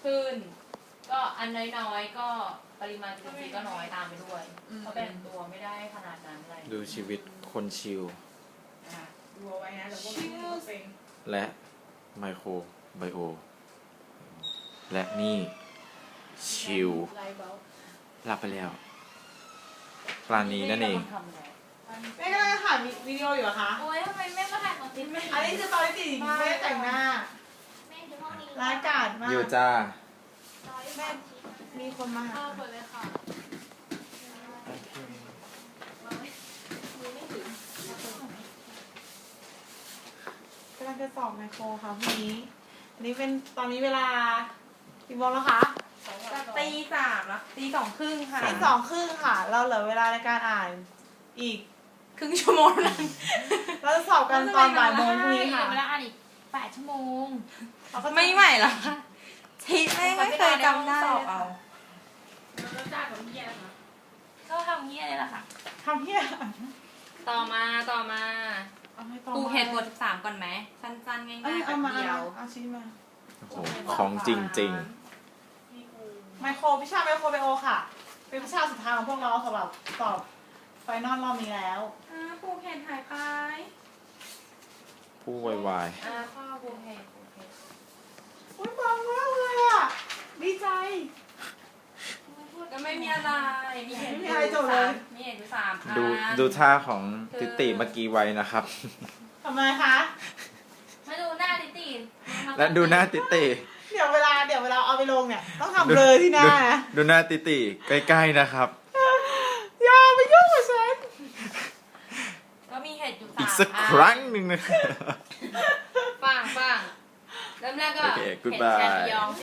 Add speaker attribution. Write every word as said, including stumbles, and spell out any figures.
Speaker 1: ขึ้น ก็อันน้อยๆก็ปริมาณจุลินทรีย์ก็น้อยตามไปด้วยเพราะแบ่งตัวไม่ได้ขนาดนั้นอะไร
Speaker 2: ดูชีวิตคนชิล
Speaker 3: ดูเอาไว้นะแล้วก็ไม่เป็น
Speaker 2: และไมโครไบโอและนี่ชิลหลับไปแล้วปลานีนั่นเอง
Speaker 3: แม่ก็เลยถ่ายวิดีโออยู่เหรอคะ
Speaker 1: โอ้ยทำไมแม่มาถ่ายของติ๊กไม่
Speaker 3: อันนี้คือตอนที่ตีแม่แต่งหน้าร้ายกาจมาก
Speaker 2: อยู่จ้า
Speaker 3: แม่มีคนมาหา
Speaker 1: เปิดเลยค่ะ
Speaker 3: กำลังจะสอบไมโครค่ะพรุ่งนี้อันนี้เป็นตอนนี้เวลากี่โมงแล้วคะ
Speaker 1: ตีสามแล้วตีสองครึ่งค่ะ
Speaker 3: ตีสองครึ่งค่ะเราเหลือเวลาในการอ่านอีก
Speaker 1: ครึ่งชั่วโมงนึง
Speaker 3: เราจะสอบกันตอนบ่ายโมงพรุ่งนี้ค่ะ
Speaker 1: เวลาอ่านอีกแปดชั่วโมง
Speaker 4: ไม่ไหวหรอทีไม่ไม่เคยจำได้
Speaker 1: เอาแล้วจ้ากับเฮียนะคะก็ทำเฮียเลยล่ะค่ะ
Speaker 3: ทำเฮีย
Speaker 1: ต่อมาต่อมา
Speaker 4: ปูเหตุบทสิบสามก่อนไหมสั้นๆง่ายๆ
Speaker 3: แบบ
Speaker 4: เดียว
Speaker 3: เอาชิ้นมา
Speaker 2: โอ้โหของจริงจริง
Speaker 3: ไมโครวิชาไมโครไบโอค่ะเป็นวิชาสุดท้ายของพวกเราสำหรับสอบไฟนอลรอบนี้แล้ว
Speaker 4: ปูเหตุหายไป
Speaker 2: ผู้วายวาย
Speaker 1: อ่าพ่อปูเหตุปูเหตุ
Speaker 3: โอ้ยปังมากเลยอ่ะดีใจ
Speaker 4: ก็ไม่มีอะไรมีเหตุ
Speaker 3: ไม่มีอะไรจบเลย
Speaker 4: มีเหตุสาม
Speaker 2: ดูดูท่าของติติเมื่อกี้ไว้นะครับ
Speaker 3: ทำไมคะ
Speaker 1: มาดูหน้าติติ
Speaker 2: และดูหน้าติติ
Speaker 3: เดี๋ยวเวลาเดี๋ยวเวลาเอาไปลงเนี่ยต้องทำเลยที่หน้านะ
Speaker 2: ดูหน้าติติใกล้ๆนะครับ
Speaker 3: อย่าไปยุ่งกับฉัน
Speaker 1: ก็มีเหตุอยู่สาม
Speaker 2: อีกสักครั้งหนึ่งนะ
Speaker 1: ฟังฟังเริ่มแรกก็
Speaker 2: โอเค goodbye